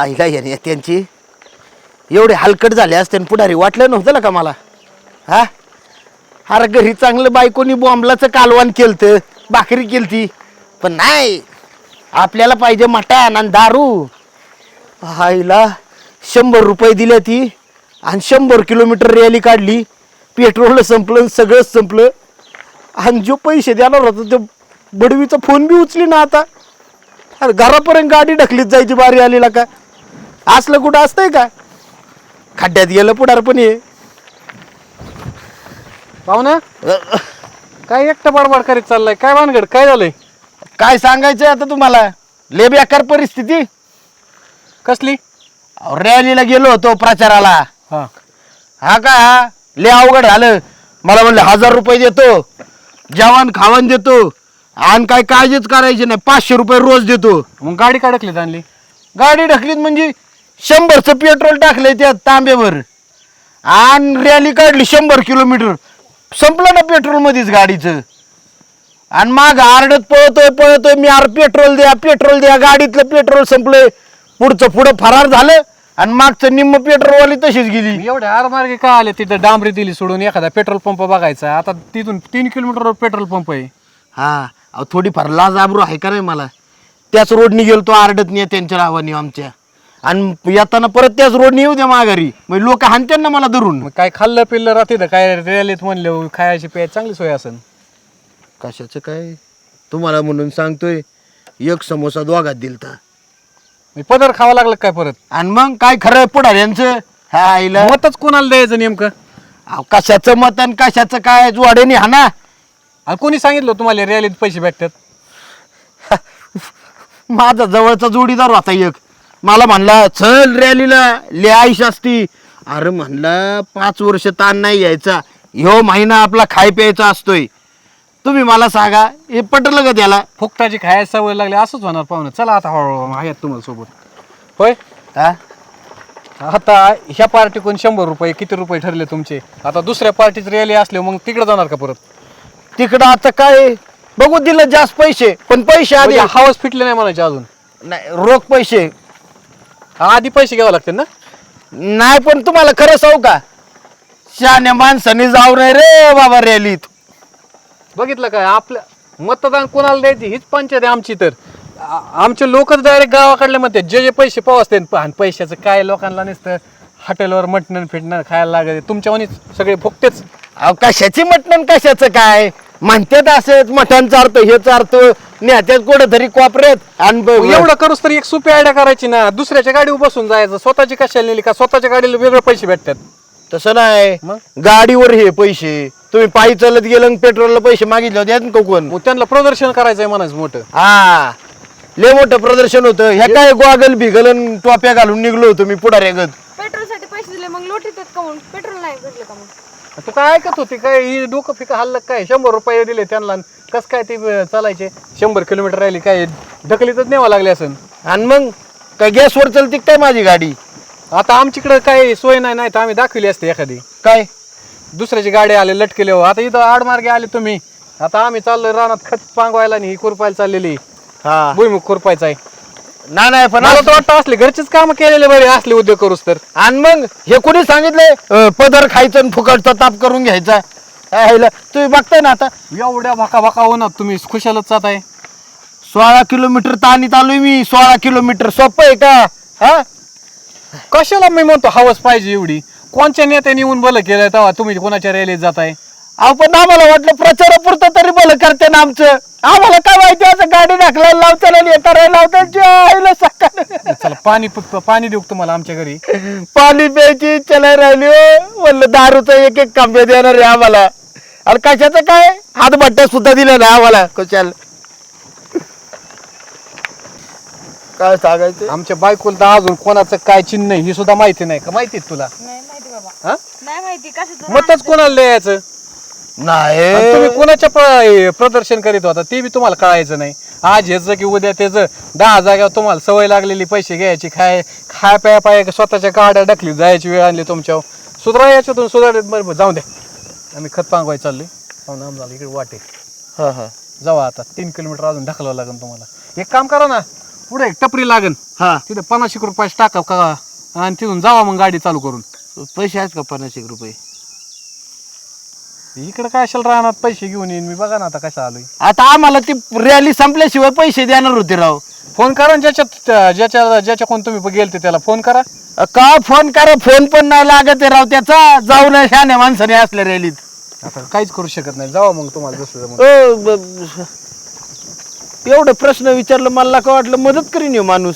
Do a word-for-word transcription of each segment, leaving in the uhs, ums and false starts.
आईला येणे त्यांची एवढे हलकट झाले असते पुढारी वाटलं नव्हतं ना का मला. हा अरे घरी चांगलं बायकोनी बॉम्बलाचं कालवान केलतं, भाकरी केलती, पण नाही आपल्याला पाहिजे मटण आणि दारू. आईला शंभर रुपये दिले ती आणि शंभर किलोमीटर रॅली काढली, पेट्रोल संपलं, सगळंच संपलं. आणि जो पैसे देणार होता तो बडवीचा फोन बी उचली ना आता. अरे घरापर्यंत गाडी ढकलीत जायची बारी आलेला का. असलं कुठं असतंय का. खड्ड्यात गेलं पुढार पण ये पाहुणा काय एकटं बडबड करीत चाललाय, काय भानगड, काय झालंय? काय सांगायचंय आता तुम्हाला. लय बेकार परिस्थिती. कसली? रॅलीला गेलो होतो प्रचाराला. हा हा का लय अवघड झालं. मला म्हणलं हजार रुपये देतो, जेवण खावण देतो आणि काय काळजीच करायची नाही, पाचशे रुपये रोज देतो. मग गाडी काढकलीत आणली? गाडी ढकलीत म्हणजे शंभरचं पेट्रोल टाकलंय त्यात तांब्यावर आणि रॅली काढली शंभर किलोमीटर. संपलं ना पेट्रोल मध्येच गाडीचं. आणि माग आरडत पळतोय पळतोय मी, आर पेट्रोल द्या पेट्रोल द्या. गाडीतलं पेट्रोल संपलंय, पुढचं पुढं फरार झालं आणि मागचं निम्म पेट्रोलवाली तशीच गेली. एवढे आरमार्गे का आले तिथं? डांबरी दिली सोडून एखादा पेट्रोल पंप बघायचा. आता तिथून तीन किलोमीटरवर पेट्रोल पंप आहे. हा अहो थोडीफार लाज आबरू आहे का नाही मला. त्याच रोडनी गेलो तो आरडत नाही त्यांच्या नावाने आमच्या, आणि येताना परत त्याच रोडनी येऊ द्या माघारी, मग लोक हाणत्यान ना मला धरून. मग काय खाल्लं पिल्लं राहते तर काय रॅलीत म्हणले खायची प्यायची चांगली सोय असेल. कशाचं काय तुम्हाला म्हणून सांगतोय, एक समोसा दोघात दिलता पदर खावा लागलं काय परत? आणि मग काय खरं पुढाऱ्यांचं. हा आईला मतच कोणाला द्यायचं नेमकं? अहो कशाचं मत आणि कशाचं काय जोड्याने हा ना. आणि कोणी सांगितलं तुम्हाला रॅलीत पैसे भेटतात? माझा जवळचा जोडीदार होता एक, मला म्हणला चल रॅलीला ले आईश असती. अरे म्हणला पाच वर्ष ताण नाही यायचा, ह्यो महिना आपला खाय प्यायचा असतोय. तुम्ही मला सांगा हे पटलं का त्याला? फुकटाची खायची सवय लागली असंच होणार पाहुणं. चला आता हळूहळू आहेत तुम्हाला सोबत. होय हा आता ह्या पार्टीकडून शंभर रुपये किती रुपये ठरले तुमचे? आता दुसऱ्या पार्टीची रॅली असले मग तिकडे जाणार का परत? तिकडं आता काय बघू, दिलं जास्त पैसे पण पैसे आधी म्हणजे हवाच फिटले नाही म्हणायचे अजून? नाही रोख पैसे आधी पैसे घ्यावे लागतील ना? नाही, पण तुम्हाला खरं सांगू का, शहाण्या माणसाने जाऊ नाही रे बाबा रॅलीत. बघितलं काय, आपलं मतदान कोणाला द्यायची हीच पंचायत आहे आमची. तर आ- आमचे लोकच डायरेक्ट गावाकडले म्हणते जे जे पैसे पाव असते. आणि पैशाचं काय लोकांना नसतं, हॉटेलवर मटण फिटणं खायला लागत. तुमच्यावानीच सगळे फुकतेच. अहो कशाची मटण कशाचं काय म्हणतात, असंच मटण चारतो हे चारतो नेत्यात कुठं तरी कोपऱ्यात. आणि एवढं करूस तर एक सोपी आयडिया करायची ना, दुसऱ्याच्या गाडीवर बसून जायचं. स्वतःची कशाला नेली का? स्वतःच्या गाडीला वेगळे पैसे भेटतात. तसं नाही, मग? गाडीवर हे पैसे. तुम्ही पायी चालत गेलं पेट्रोलला पैसे मागितले होते का कोण? मग त्यांना प्रदर्शन करायचंय म्हणायचं मोठं. हा लय मोठं प्रदर्शन होतं. ह्या काय गोगल बिगल आणि टोप्या घालून निघलो होतो मी पुढाऱ्यागत. पेट्रोल साठी पैसे दिले मग लोट येतात का? मग पेट्रोल नाही भेटलं का? मग तू काय ऐकत होती काय? ही डोकं फिका हल्लं काय? शंभर रुपये दिले त्यांना, कस काय ते चालायचे? शंभर किलोमीटर राहिली काय ढकलीतच न्यावं लागले असेल. आणि मग काय गॅसवर चलती काय माझी गाडी? आता आमच्याकडे काही सोय नाही, नाही तर आम्ही दाखवली असते एखादी. काय दुसऱ्याची गाडी आले लटकेले. हो आता इथं आडमार्गे आले तुम्ही. आता आम्ही चाललोय रानात खत पांगवायला आणि ही खुरपायला चाललेली. हा भुईमुख खुरपायचा आहे. ना नाही पण मला तर वाटतं असले घरचेच काम केलेले बरे, असले उद्योग करूस तर. आणि मग हे कोणी सांगितलंय अं, पदर खायचं आणि फुकटचा ताप करून घ्यायचा? ह्याला तुम्ही बघताय ना आता एवढ्या भाका भाका होणार तुम्ही खुशालच जात आहे. सोळा किलोमीटर ताणीत आलोय मी. सोळा किलोमीटर सोपं आहे का? हा कशाला मी म्हणतो हवस पाहिजे एवढी? कोणच्या नेत्याने येऊन भलं केलंय तेव्हा तुम्ही कोणाच्या रॅलीत जाताय? अहो पण आम्हाला वाटलं प्रचारापुरतं तरी भलं करते ना आमचं. आम्हाला काय माहिती असं गाडी ढकलायला लावताना हे करायला लावताना सकाळ. चला पाणी प- पाणी देऊ का तुम्हाला आमच्या घरी? पाणी प्यायची इच्छा नाही राहिली हो. म्हणलं दारूचा एक एक कांबे देणार आहे आम्हाला. आणि कशाचं काय हातभट्ट्या सुद्धा दिल्या ना आम्हाला. कशाला काय सांगायचं? आमच्या बायकोला तर अजून कोणाचं काय चिन्ह आहे ही सुद्धा माहिती नाही का? माहिती आहे तुला? नाही माहिती बाबा. हा? नाही माहिती कशाचं. मतच कोणाला द्यायचं? आणि तुम्ही नाही कोणाच्या प- प्रदर्शन करीत होता ते बी तुम्हाला कळायचं नाही. आज ह्याचं की उद्या त्याचं. दहा जाग्यावर तुम्हाला सवय लागलेली पैसे घ्यायची, खाय खाय प्या पाय स्वतःच्या गाड्या ढकली जायची वेळ आणली तुमच्यावर. सुधरा याच्यातून सुधार. बरोबर जाऊ द्या, आम्ही खत पांगवाय चाललोय. पाहुणा आम्हाला इकडे वाटे हा हा जावा. आता तीन किलोमीटर अजून ढकलावं लागेल तुम्हाला. एक काम करा ना, पुढे एक टपरी लागन हा तिथे पन्नास एक रुपयाची टाका का आणि तिथून जावा मग गाडी चालू करून. पैसे आहेत का पन्नास एक रुपये? इकडे काय असेल राहणार पैसे घेऊन येईन मी. बघा ना आता कसं आलोय. आता आम्हाला ती रॅली संपल्याशिवाय पैसे देणार होते राव. फोन करा ना ज्याच्यात ज्याच्या ज्याच्या कोण तुम्ही गेलते त्याला फोन करा. का फोन करा, फोन पण नाही लागत आहे राव त्याचा. जाऊन शहाण्या माणसाने असल्या रॅलीत. आता काहीच करू शकत नाही. जावा मग तुम्हाला जसं जमलं. ओ, ब- ब- एवढं प्रश्न विचारलं मला का वाटलं मदत करीन ह्यो माणूस.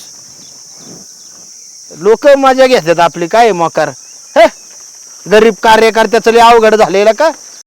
लोक मजा घेतात आपली काय मोकार. हे गरीब कार्यकर्त्याचं लय अवघड झालेलं का.